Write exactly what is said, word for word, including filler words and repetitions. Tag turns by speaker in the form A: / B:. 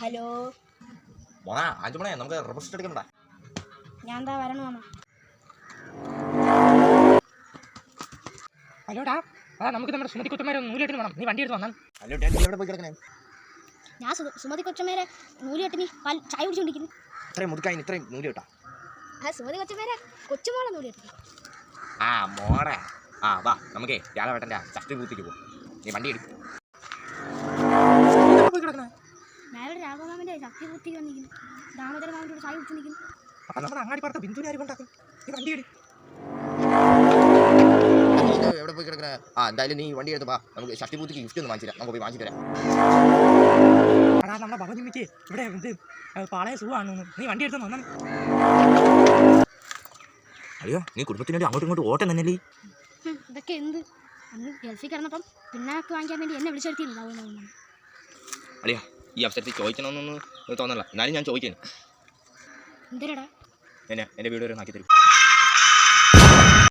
A: Hello
B: മോനാ അഞ്ചു മണി നമുക്ക് rest എടുക്കണ്ട.
A: ഞാൻ എന്താ വരണോ?
C: ഹലോടാ, അതാ നമുക്ക് നമ്മുടെ സുമതി കൊച്ചന്മാരെ നൂലിട്ട് വേണം. നീ വണ്ടി എടുത്ത് വന്നാൽ.
B: ഹലോ ഡാഡി, എവിടെ പോയി കിടക്കണേ?
A: ഞാൻ സുമതി കൊച്ചമ്മേരെ നൂലിട്ട് നീ ചായ കുടിച്ചോണ്ടിരിക്കുന്നു.
B: ഇത്രയും മുതുക്കായി ഇത്രയും നൂല് കിട്ടാ.
A: ആ സുമതി കൊച്ചമ്മേരെ കൊച്ചുമോളെ നൂലിട്ട്.
B: ആ മോടെ ആ വാ നമുക്കേ രാഘവേട്ടൻ്റെ ശക്തി പൂർത്തിക്ക് പോകും. നീ വണ്ടി എടുക്കും.
A: ഞാൻ ഇവിടെ രാഘവമാമൻ്റെ ശക്തി പൂർത്തിക്ക് വന്നിരിക്കുന്നു. ദാമോദര മാമൻ്റെ ചായ കുടിച്ചോണ്ടിരിക്കുന്നു.
C: അപ്പം നമ്മുടെ അങ്ങാടി പാടത്ത് ബിന്ദുവിനെ ആര് കൊണ്ടാക്കും? നീ വണ്ടി എടുക്കും.
B: എവിടെ പോയി കിടക്കണേ? ആ എന്തായാലും നീ വണ്ടി എടുത്ത് വാ, നമുക്ക് ശക്തി പൂർത്തിക്ക് ഗിഫ്റ്റ് ഒന്ന് വാങ്ങിച്ചു തരാം. നമുക്ക് പോയി വാങ്ങിച്ചു തരാം.
C: അടാ നമ്മുടെ ഭവനിമിക്ക് ഇവിടെ ഇത് പാളയ സുഖമാണെന്ന്. നീ വണ്ടി എടുത്ത് വന്നാൽ.
B: അയ്യോ, നീ കുടുംബത്തിനോട് അങ്ങോട്ടും ഇങ്ങോട്ടും ഓട്ടം തന്നെയല്ലേ?
A: ഇതൊക്കെ എന്ത്? അന്ന് ഗൾഫിൽ കിടന്നപ്പം പിന്നാക്ക് വാങ്ങിക്കാൻ വേണ്ടി എന്നെ വിളിച്ചെടുത്തില്ല.
B: അളിയാ, ഈ അവസരത്തിൽ ചോദിക്കണമെന്നൊന്നും തോന്നല്ല, എന്നാലും ഞാൻ ചോദിക്കുന്നു.
A: എന്തരടാ?
B: എന്നെ എൻ്റെ വീട് വരെ നാക്കി തരും.